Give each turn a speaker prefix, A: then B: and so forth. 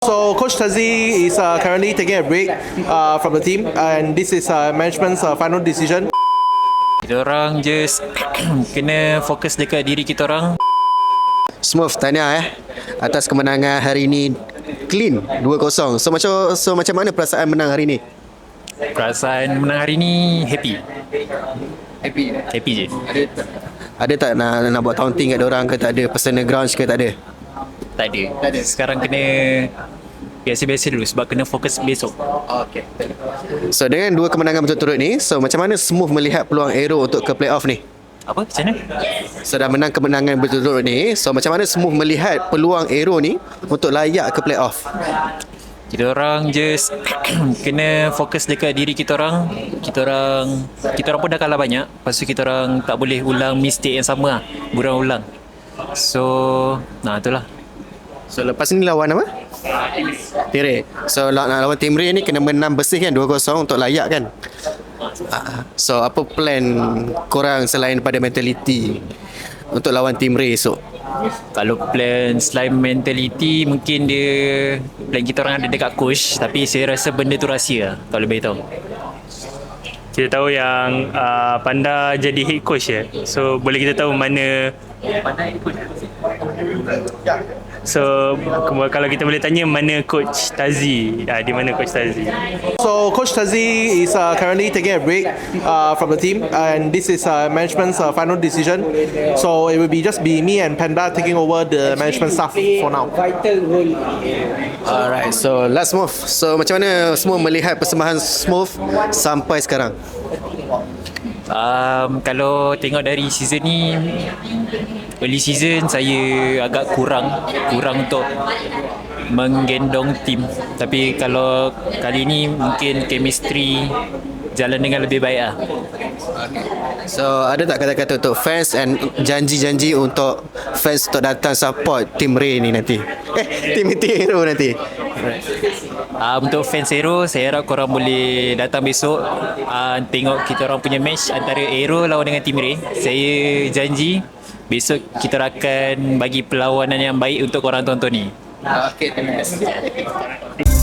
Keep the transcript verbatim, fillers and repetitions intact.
A: So Coach Tazi is uh, currently taking a break uh, from the team, and this is uh, management's uh, final decision.
B: Kita orang just kena fokus dekat diri kita orang.
C: Smooth, tahniah eh atas kemenangan hari ini, clean dua kosong. So macam so macam mana perasaan menang hari ini?
B: Perasaan menang hari ni happy.
C: Happy.
B: Happy je.
C: Ada tak nak nak buat taunting kat orang ke tak ada, personal grudge ke tak ada?
B: Tak ada. Tak ada. Sekarang kena biasa-biasa dulu sebab kena fokus besok.
C: Okay. So dengan dua kemenangan berturut-turut ni, so macam mana Smooth melihat peluang Aero untuk ke playoff ni?
B: Apa? Macam mana?
C: So dah menang kemenangan berturut-turut ni, so macam mana Smooth melihat peluang Aero ni untuk layak ke playoff?
B: Kita orang just kena fokus dekat diri kita orang. Kita orang kita orang pun dah kalah banyak. Lepas tu kita orang tak boleh ulang mistake yang sama lah. Berulang-ulang. So, nah itulah.
C: So lepas ni lawan apa? Tim Ray. So nak lawan Tim Ray ni kena menang bersih kan, dua kosong untuk layak kan? Ah, so apa plan korang selain pada mentality untuk lawan Tim Ray esok?
B: Kalau plan selain mentality, mungkin dia plan kita orang ada dekat coach, tapi saya rasa benda tu rahsia lah, kalau boleh tahu.
D: Kita tahu yang uh, Panda jadi head coach ya. So boleh kita tahu mana So kalau kita boleh tanya mana coach Tazi, uh, di mana coach Tazi?
A: So Coach Tazi is uh, currently taking a break uh, from the team, and this is uh, management's uh, final decision. So it will be just be me and Panda taking over the management staff for now.
C: Alright, so last move. So macam mana semua melihat persembahan Smooth sampai sekarang?
B: Um, kalau tengok dari season ni, early season saya agak kurang kurang untuk menggendong tim. Tapi kalau kali ni mungkin chemistry jalan dengan lebih baik lah.
C: So ada tak kata-kata untuk fans and janji-janji untuk fans untuk datang support Tim Ray ni nanti? Eh, Tim Hero nanti.
B: Uh, untuk fans Aero, saya harap korang boleh datang besok uh, tengok kita orang punya match antara Aero lawan dengan Tim Ray. Saya janji besok kita akan bagi perlawanan yang baik untuk korang tonton ni.
C: Okay, terima kasih.